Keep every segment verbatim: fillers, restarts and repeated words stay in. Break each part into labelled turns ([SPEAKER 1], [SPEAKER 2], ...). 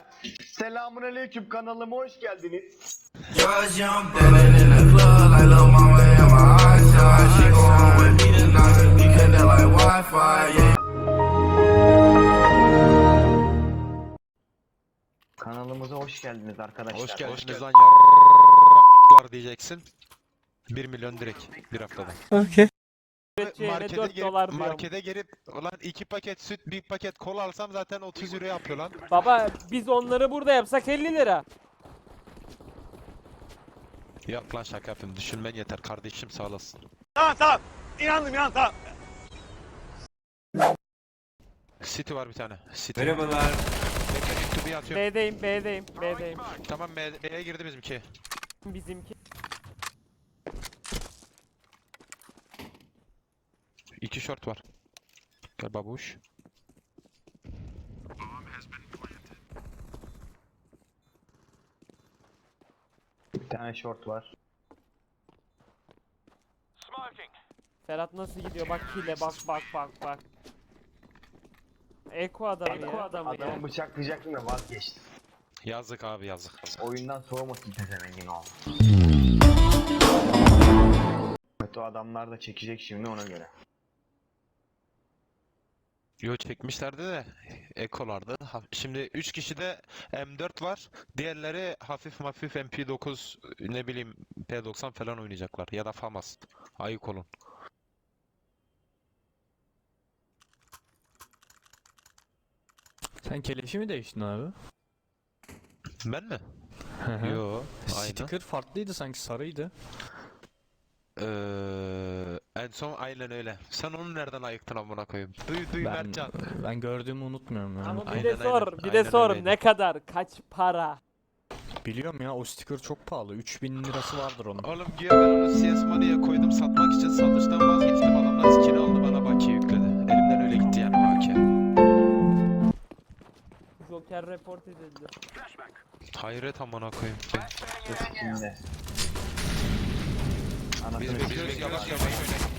[SPEAKER 1] Selamünaleyküm, kanalıma hoş geldiniz. Kanalımıza hoş geldiniz arkadaşlar.
[SPEAKER 2] Hoş geldiniz hoş lan yarraklar diyeceksin. bir milyon direkt bir haftada.
[SPEAKER 3] Okay.
[SPEAKER 2] Markete girip, markete girip ulan iki paket süt, bir paket kola alsam zaten otuz euro yapıyor lan.
[SPEAKER 3] Baba biz onları burada yapsak elli lira.
[SPEAKER 2] Yok lan şaka yapayım, düşünmen yeter kardeşim, sağ olasın.
[SPEAKER 4] Tamam tamam. İnandım inan tamam.
[SPEAKER 2] City var bir tane. City.
[SPEAKER 4] Merhabalar.
[SPEAKER 2] Bekle YouTube'u atıyorum.
[SPEAKER 3] B'deyim, B'deyim, B'deyim.
[SPEAKER 2] Tamam B- B'ye girdi bizimki.
[SPEAKER 3] Bizimki.
[SPEAKER 2] İki short var. Gel babuş.
[SPEAKER 1] Bir tane short var.
[SPEAKER 3] Ferhat nasıl gidiyor? Bak hile, bak bak bak bak. Eko adamı
[SPEAKER 1] Eko
[SPEAKER 3] ya.
[SPEAKER 1] adamı Adamı ya. bıçaklayacaktım da vazgeçtim.
[SPEAKER 2] Yazık abi yazık.
[SPEAKER 1] Oyundan soğumasın tezemengin oğlum. Kötü adamlar da çekecek şimdi, ona göre.
[SPEAKER 2] Yo çekmişlerdi de ekolardı. Ha- Şimdi üç kişide M dört var. Diğerleri hafif hafif M P dokuz, ne bileyim P doksan falan oynayacaklar ya da FAMAS. Ayık olun.
[SPEAKER 5] Sen keleşi mi değiştin abi?
[SPEAKER 2] Ben mi? Yo, aynı.
[SPEAKER 5] Sticker farklıydı sanki, sarıydı.
[SPEAKER 2] Ee, en son aynen öyle. Sen onu nereden ayıktın amına koyayım? Duy duy
[SPEAKER 5] Ben,
[SPEAKER 2] Mertcan.
[SPEAKER 5] ben gördüğümü unutmuyorum yani.
[SPEAKER 3] Ama bir
[SPEAKER 2] Aynen,
[SPEAKER 3] de sor,
[SPEAKER 2] aynen.
[SPEAKER 3] bir de
[SPEAKER 2] Aynen
[SPEAKER 3] sor
[SPEAKER 2] öyleydi.
[SPEAKER 3] ne kadar, kaç para?
[SPEAKER 5] Biliyorum ya, o sticker çok pahalı. üç bin lirası vardır onun.
[SPEAKER 2] Oğlum güya ben onu C S Money'e koydum satmak için, satıştan vazgeçtim. Adamlar skin aldı, bana bakiye yükledi. Elimden öyle gitti yani bakiye.
[SPEAKER 3] Joker report edildi.
[SPEAKER 2] Hayret amına koyayım.
[SPEAKER 1] Eskinde.
[SPEAKER 2] Biz bekliyoruz, yavaş yavaş oynayın.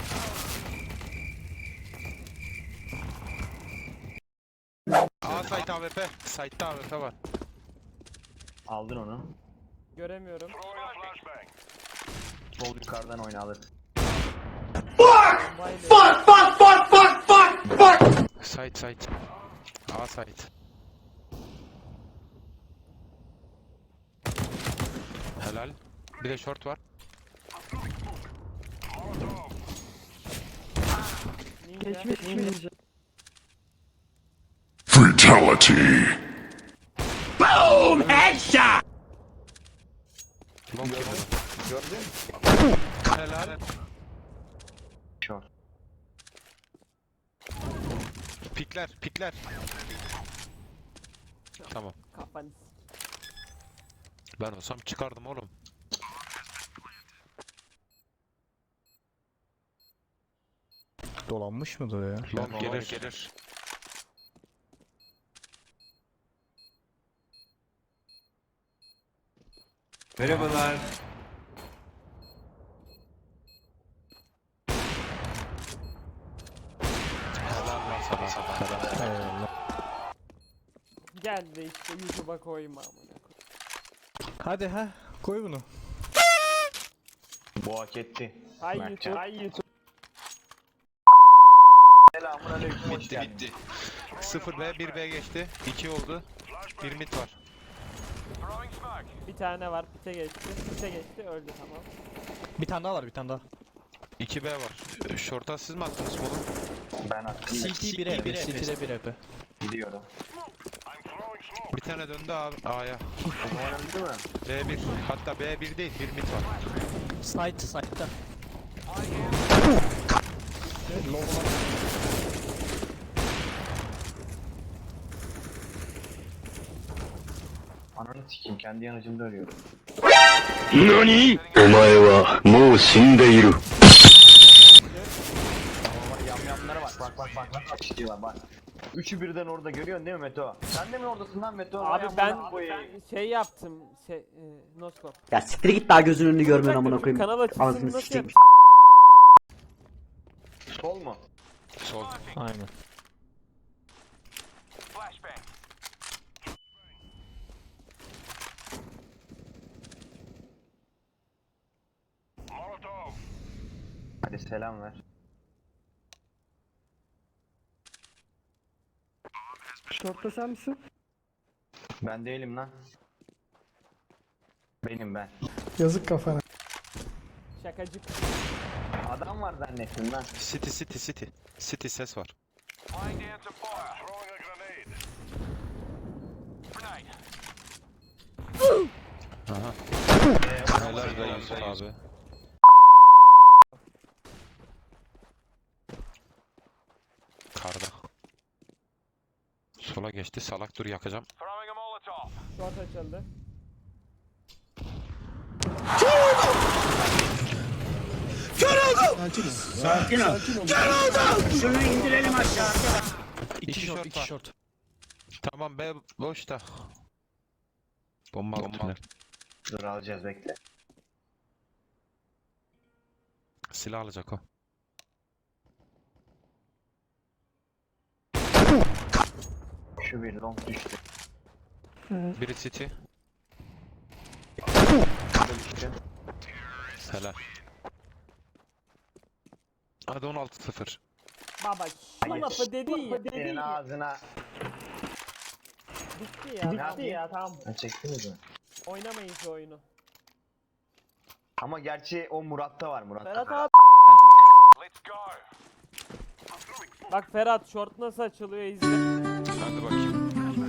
[SPEAKER 2] A site A W P. Site'da A W P var.
[SPEAKER 1] Aldın onu.
[SPEAKER 3] Göremiyorum.
[SPEAKER 1] Sol yukarıdan oyna alır.
[SPEAKER 3] Fuck fuck fuck fuck fuck.
[SPEAKER 2] Site site. A site. Helal. Bir de short var.
[SPEAKER 3] Geçmiş ninja.
[SPEAKER 6] Fatality.
[SPEAKER 4] Boom headshot.
[SPEAKER 2] Long kill.
[SPEAKER 1] Gördün mü?
[SPEAKER 2] Helal.
[SPEAKER 1] Short.
[SPEAKER 2] Pikler, pikler. Tamam.
[SPEAKER 3] Kafanı.
[SPEAKER 2] Ben olsam çıkardım oğlum.
[SPEAKER 5] Dolanmış mıdır ya?
[SPEAKER 2] Long gelir gelir.
[SPEAKER 4] Merhabalar.
[SPEAKER 2] Helal lan sana.
[SPEAKER 5] Eyvallah.
[SPEAKER 3] Gel de işte YouTube'a koyma amına koyayım.
[SPEAKER 5] Hadi ha, koy bunu.
[SPEAKER 1] Bu hak etti.
[SPEAKER 3] Hay
[SPEAKER 1] Mertcan.
[SPEAKER 3] YouTube, hay YouTube.
[SPEAKER 1] Selamünaleyküm, hoş
[SPEAKER 2] Bitti
[SPEAKER 1] geldin.
[SPEAKER 2] bitti. sıfır B bir B geçti. iki oldu. bir mid var.
[SPEAKER 3] Bir tane var, pite geçti, pite geçti, öldü tamam.
[SPEAKER 5] Bir tane daha var, bir tane daha.
[SPEAKER 2] iki B var. Short'a siz mi attınız oğlum?
[SPEAKER 1] Ben attım.
[SPEAKER 5] C T bir E P, City'de bir E P.
[SPEAKER 1] Gidiyorum.
[SPEAKER 2] Bir tane döndü abi A'ya.
[SPEAKER 1] Umarım öldü mü?
[SPEAKER 2] B bir. Hatta B bir değil, bir mid var.
[SPEAKER 5] Site, site'da.
[SPEAKER 1] Ananı sikeyim, kendi yanıcımda ölüyorum.
[SPEAKER 6] 何お前はもう死んでいる。
[SPEAKER 1] Ama yamyamlara bak, bak bak bak bak bak gidiyorlar bak. Üçü birden orada, görüyorsun değil mi Meto? Sen de mi oradasın lan Meto? Vay
[SPEAKER 3] Abi
[SPEAKER 1] amına
[SPEAKER 3] ben
[SPEAKER 1] koyayım.
[SPEAKER 3] şey yaptım, şey, e, noskop.
[SPEAKER 7] Ya siktir git, daha gözünün önünü görmüyorsun amına koyayım.
[SPEAKER 3] Kanal açılsın
[SPEAKER 7] Anasını
[SPEAKER 3] nasıl
[SPEAKER 7] sikeyim.
[SPEAKER 3] yap?
[SPEAKER 1] Sol mu?
[SPEAKER 2] Sol.
[SPEAKER 5] Aynen.
[SPEAKER 1] Hadi selam ver.
[SPEAKER 8] Şortta sen misin?
[SPEAKER 1] Ben değilim lan. Benim ben.
[SPEAKER 8] Yazık kafana.
[SPEAKER 3] Şakacık.
[SPEAKER 1] Adam var zannettim lan.
[SPEAKER 2] City city city. City ses var. Aha. Helal be Yusuf abi. Karda. Sola geçti. Salak dur yakacağım.
[SPEAKER 3] Short açıldı.
[SPEAKER 5] İki
[SPEAKER 2] İki
[SPEAKER 5] short,
[SPEAKER 2] short
[SPEAKER 5] iki
[SPEAKER 2] var.
[SPEAKER 5] short.
[SPEAKER 2] Tamam be boşta. Bomba Bomba.
[SPEAKER 1] Dur alacağız bekle.
[SPEAKER 2] Silah alacak o.
[SPEAKER 1] Şu bir long düştü.
[SPEAKER 2] Biri City.
[SPEAKER 1] Bu da düştü.
[SPEAKER 2] Helal. Hadi on altı sıfır.
[SPEAKER 3] Baba şu
[SPEAKER 1] Hayır.
[SPEAKER 3] lafı dedi ya. Dedi
[SPEAKER 1] Senin
[SPEAKER 3] ya.
[SPEAKER 1] ağzına.
[SPEAKER 3] Bitti ya. Bitti ya tamam.
[SPEAKER 1] Ha, çektiniz mi?
[SPEAKER 3] Oynamayın şu oyunu.
[SPEAKER 1] Ama gerçi o Murat'ta var Murat'ta.
[SPEAKER 3] Ferhat abi. Bak Ferhat short nasıl açılıyor izle.
[SPEAKER 2] Hadi bakayım.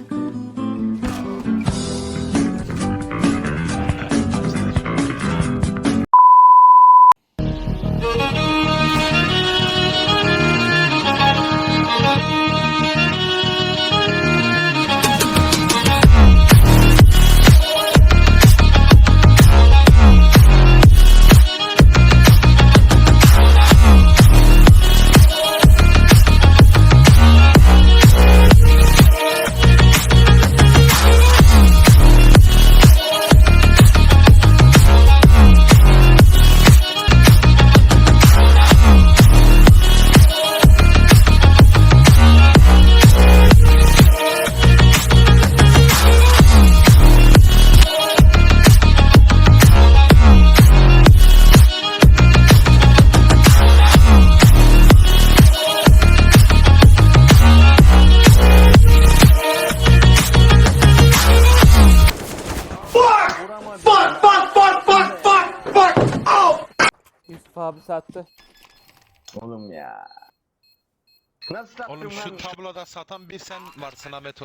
[SPEAKER 3] Yusuf abi sattı.
[SPEAKER 1] Oğlum ya. Nasıl sattın
[SPEAKER 2] Oğlum
[SPEAKER 1] lan?
[SPEAKER 2] şu tabloda satan bir sen varsın Ahmet o.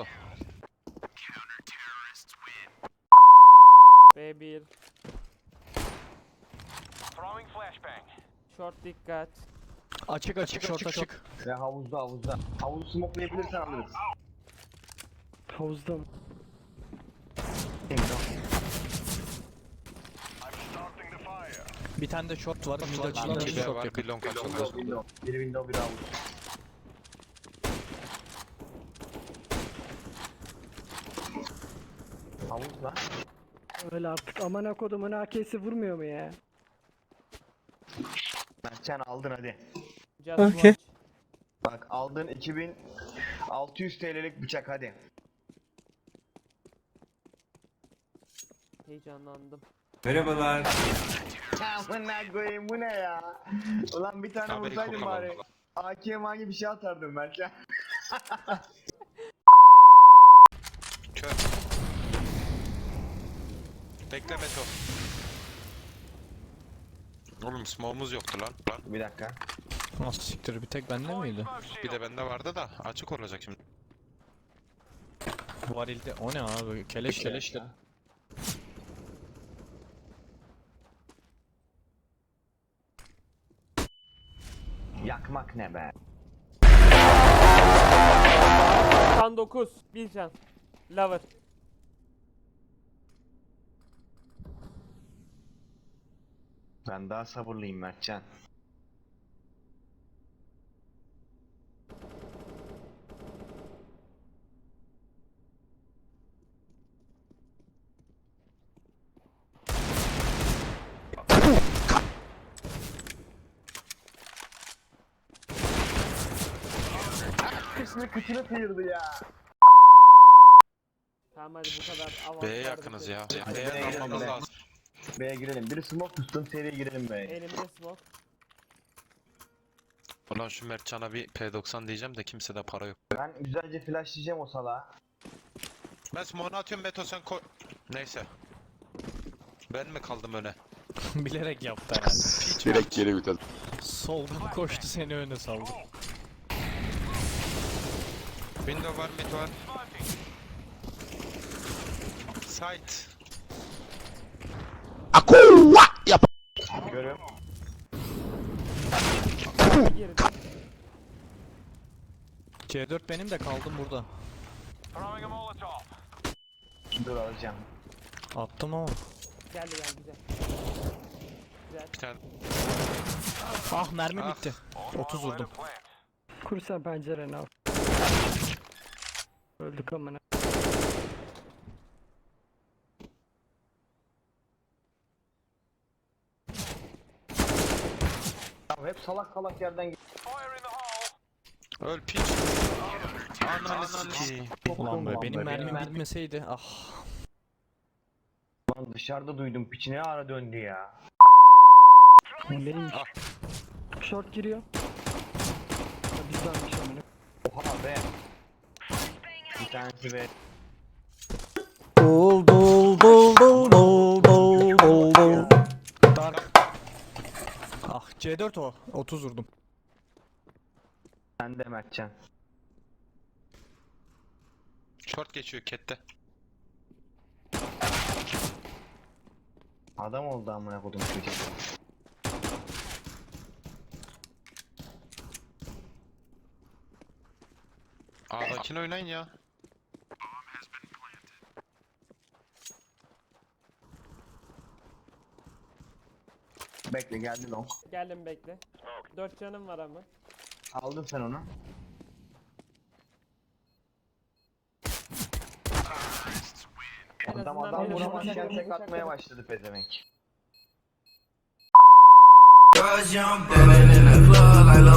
[SPEAKER 3] B bir. Short dikkat.
[SPEAKER 5] Açık açık short açık.
[SPEAKER 1] Ve havuzda havuzda. Havuzu smokelayabilirsen alırız.
[SPEAKER 8] Havuzda mı?
[SPEAKER 5] Bir tane de short var. Mid açılan
[SPEAKER 2] İki
[SPEAKER 5] bir
[SPEAKER 2] B
[SPEAKER 5] short
[SPEAKER 2] var,
[SPEAKER 5] yakın.
[SPEAKER 2] bir long açıldı.
[SPEAKER 1] Window, window. Biri window biri havuz. Havuz lan.
[SPEAKER 8] Öyle artık amına kodumun A K'si vurmuyor mu ya?
[SPEAKER 1] Mertcan aldın hadi.
[SPEAKER 3] Just watch.
[SPEAKER 1] Bak aldın iki bin altı yüz T L'lik bıçak hadi.
[SPEAKER 3] Heyecanlandım.
[SPEAKER 4] Merhabalar.
[SPEAKER 1] Amına koyayım bu ne ya? Ulan bir tane
[SPEAKER 2] Haberi
[SPEAKER 1] vursaydın
[SPEAKER 2] kokamadım.
[SPEAKER 1] bari. A K M gibi bir şey atardım Mertcan.
[SPEAKER 2] Kör. Bekle Meto. Oğlum smoke'umuz yoktu lan. lan.
[SPEAKER 1] Bir dakika.
[SPEAKER 5] Nasıl siktir, bir tek bende miydi?
[SPEAKER 2] Bir de bende vardı da açık olacak şimdi.
[SPEAKER 5] Varilde o ne abi? Keleş keleş.
[SPEAKER 1] Yakmak ne be?
[SPEAKER 3] doksan dokuz. Bir can. Lover.
[SPEAKER 1] Ben daha sabırlıyım Mertcan. Kısmı kıçını sıyırdı ya.
[SPEAKER 3] Tamam hadi bu kadar avantaj.
[SPEAKER 2] B'ye yakınız ya.
[SPEAKER 1] Hadi
[SPEAKER 2] B'ye
[SPEAKER 1] B'ye
[SPEAKER 2] dalmamız
[SPEAKER 1] girelim.
[SPEAKER 2] lazım.
[SPEAKER 1] B'ye girelim. Biri smoke tutsun seriye girelim B'ye.
[SPEAKER 3] Elimde smoke.
[SPEAKER 2] Ulan şu Mertcan'a bir P doksan diyeceğim de kimsede para yok.
[SPEAKER 1] Ben güzelce flashlayacağım o salağı.
[SPEAKER 2] Ben smoke'unu atıyorum Meto sen koy. Neyse. Ben mi kaldım öne?
[SPEAKER 5] Bilerek yaptı herhalde.
[SPEAKER 6] Direkt geri vites.
[SPEAKER 5] Soldan koştu seni öne saldı.
[SPEAKER 2] Window var, mid var. Sight.
[SPEAKER 1] Görüyorum.
[SPEAKER 3] Girdi.
[SPEAKER 5] C dört benim de kaldım burada.
[SPEAKER 1] Dur alacağım.
[SPEAKER 5] Attım ama.
[SPEAKER 3] Geldi geldi güzel. Güzel.
[SPEAKER 2] Bir tane.
[SPEAKER 5] Ah mermi
[SPEAKER 2] Ah.
[SPEAKER 5] bitti. otuz vurdum.
[SPEAKER 8] Kur sen pencereni al. Öldük amına.
[SPEAKER 1] Ya hep salak salak yerden
[SPEAKER 2] Öl piç. Ananı sikeyim.
[SPEAKER 5] Ulan be
[SPEAKER 1] Ulan
[SPEAKER 5] benim
[SPEAKER 1] be,
[SPEAKER 5] mermim
[SPEAKER 1] benim-
[SPEAKER 5] bitmeseydi ah.
[SPEAKER 1] Lan dışarıda duydum piçi ne ara döndü ya.
[SPEAKER 8] O neymiş? Short giriyor. Ya bizdenmiş amına.
[SPEAKER 1] Oha be. Bir tanesi be.
[SPEAKER 5] Dol dol dol dol dol dol dol dol. Dark. Ah C dört o. otuz vurdum.
[SPEAKER 1] Sen de Mertcan.
[SPEAKER 2] Short geçiyor kette.
[SPEAKER 1] Adam oldu amına kodum çocuk.
[SPEAKER 2] A'dakini oynayın ya.
[SPEAKER 1] Bekle geldi long.
[SPEAKER 3] Geldim bekle. Dört canım var ama.
[SPEAKER 1] Aldın sen onu.
[SPEAKER 3] En
[SPEAKER 1] Adam
[SPEAKER 3] azından
[SPEAKER 1] adam
[SPEAKER 3] beni
[SPEAKER 1] vuramazken
[SPEAKER 3] vuracak.
[SPEAKER 1] tek atmaya başladı pezevenk.
[SPEAKER 9] Cause young, living in the club like